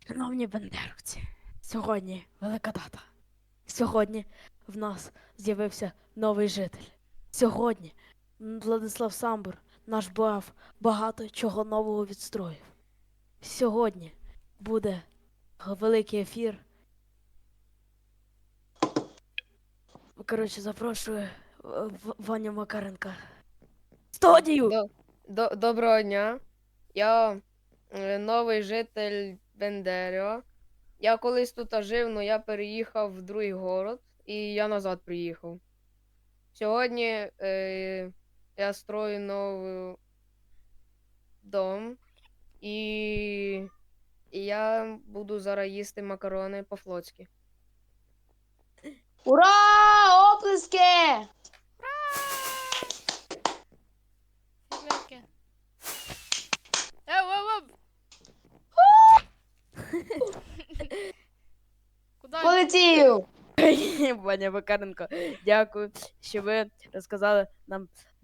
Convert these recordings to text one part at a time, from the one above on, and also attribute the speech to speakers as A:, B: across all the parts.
A: Шановні бандеровці, сьогодні велика дата. Сьогодні в нас з'явився новий житель. Сьогодні Владислав Самбур, наш БАФ, багато чого нового відстроїв. Сьогодні буде великий ефір. Коротше, запрошую Ваню Макаренка. Студію!
B: Доброго дня. Я новий житель Бендеріо. Я колись тут жив, але я переїхав в другий город і я назад приїхав. Сьогодні я строю новий дом і я буду зараз їсти макарони по-флотськи.
C: Ура! Оплески!
D: Фігурки. Ев! Куда?
C: Полетів!
A: Ваня Макаренко, дякую, що ви розказали нам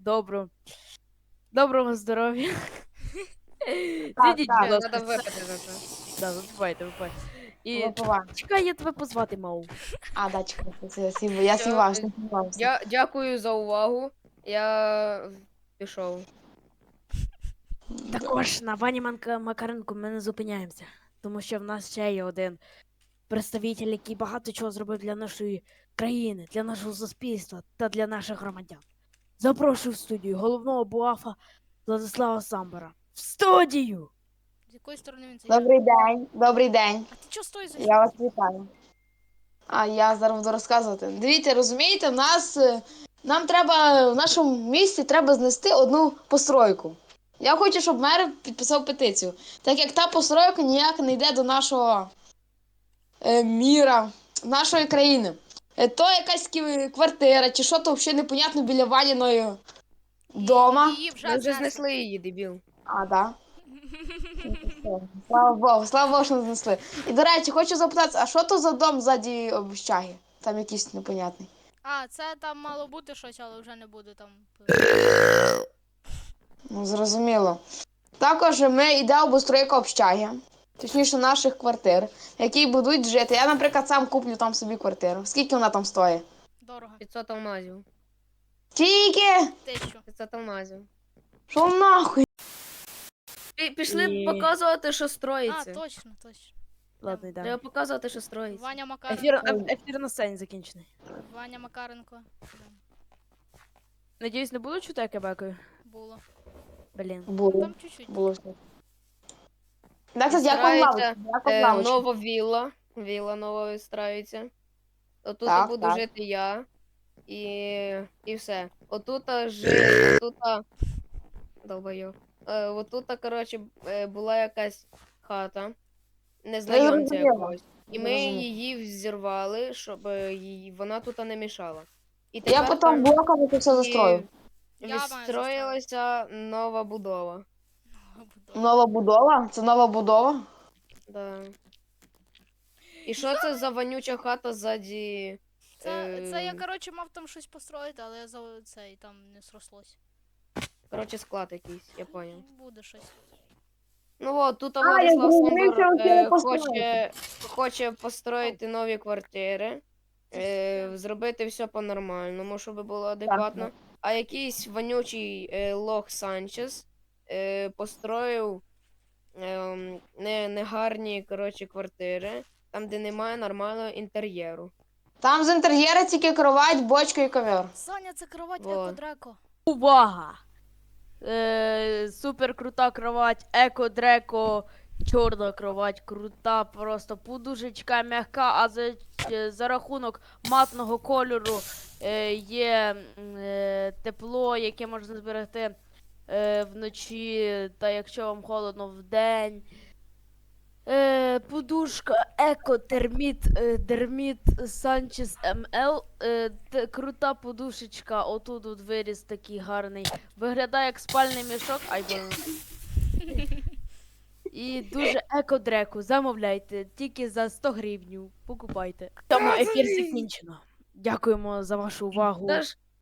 A: доброго здоров'я. Зійдіть,
C: так,
A: будь ласка.
B: Треба випити за це.
A: Да, випивайте. І
C: Випиваю.
A: чекай, я тебе позвати мав.
C: А, да, чекай, я сівався, не сівався.
B: Дякую за увагу. Я пішов.
A: Також на Вані Макаренку ми не зупиняємося, тому що в нас ще є один представитель, який багато чого зробив для нашої країни, для нашого суспільства та для наших громадян. Запрошую в студію головного буафа Владислава Самбора. В студію!
D: З якої сторони він зайде?
C: Добрий день, добрий день.
D: А ти чого стоїш за
C: Я вас вітаю. А я зараз буду розказувати. Дивіться, розумієте, нам треба в нашому місті треба знести одну постройку. Я хочу, щоб мер підписав петицію. Так як та постройка ніяк не йде до нашого міра, нашої країни. То якась квартира, чи що то взагалі непонятно біля Ваніної дома.
D: Її
B: Ми
D: вже
B: вже
D: знесли.
B: знесли її, дебіл.
C: А, да. Слава Богу, що не знесли. І, до речі, хочу запитатися, а що то за дом ззаді общаги? Там якийсь непонятний.
D: А, це там мало бути щось, але вже не буде там.
C: Ну, зрозуміло. Також ми йде обустройка общаги, точніше наших квартир, в якій будуть жити. Я, наприклад, сам куплю там собі квартиру. Скільки вона там стоїть?
D: Дорого.
B: 500 алмазів.
C: Скільки?
D: 1000.
B: 500 алмазів.
C: Що нахуй?
B: Пішли
A: Ні.
B: показувати, що
D: А,
B: строїться.
D: точно.
A: Ладно,
B: Треба
A: йдемо.
B: показувати, що строїться.
D: Ваня
A: Ефір,
D: Макаренко.
A: ефір на сцені закінчений.
D: Ваня Макаренко. Да,
A: Надіюсь, не буду чути, як я бекаю?
D: було.
A: Блін.
C: Було.
D: Там чуть-чуть.
C: Було все. Так, кстати, як вам
B: Відстраюється,
C: лавочка? Як вам лавочка?
B: нова вілла. Вілла нова відстраюється. Отут
C: Так,
B: буду
C: так.
B: жити я. І все. Долбойов. Отут, коротше, була якась хата. Незнайомця
C: зрозуміла.
B: якогось. І ми
C: Зрозуміла.
B: її взірвали, щоб вона тут не мішала. І
C: Я
B: тепер
C: потім
B: там
C: блоками це все застрою.
D: Я маю
B: відстроїлася нова будова.
C: Нова будова? Це нова будова?
B: Да. І що це за вонюча хата ззаді?
D: Це я, коротше, мав там щось построїти, але я за цей там не срослось.
B: Коротше, склад якийсь, я поняв.
D: Буде щось.
B: Ну от, тут
C: я
B: Владислав
C: зрозумів,
B: Самбор
C: що хотіли построїти.
B: хоче построїти нові квартири, зробити все по-нормальному, щоб було адекватно. А якийсь вонючий лох Санчес построїв негарні, коротше, квартири, там, де немає нормального інтер'єру.
C: Там з інтер'єра тільки кровать, бочка і ковер.
D: Саня, це кровать
B: Вот.
D: Еко-Дреко.
A: Увага! Супер крута кровать, еко-дреко, чорна кровать, крута, просто подушечка м'яка, а за рахунок матного кольору є тепло, яке можна зберегти вночі, та якщо вам холодно вдень. Подушка Еко-Терміт Дерміт Санчес МЛ. Крута подушечка. Отут от виріс такий гарний. Виглядає як спальний мішок. Ай, блин. І дуже еко-дреку. Замовляйте. Тільки за 100 гривень. Покупайте. Тому ефір закінчено. Дякуємо за вашу увагу.
B: Та ж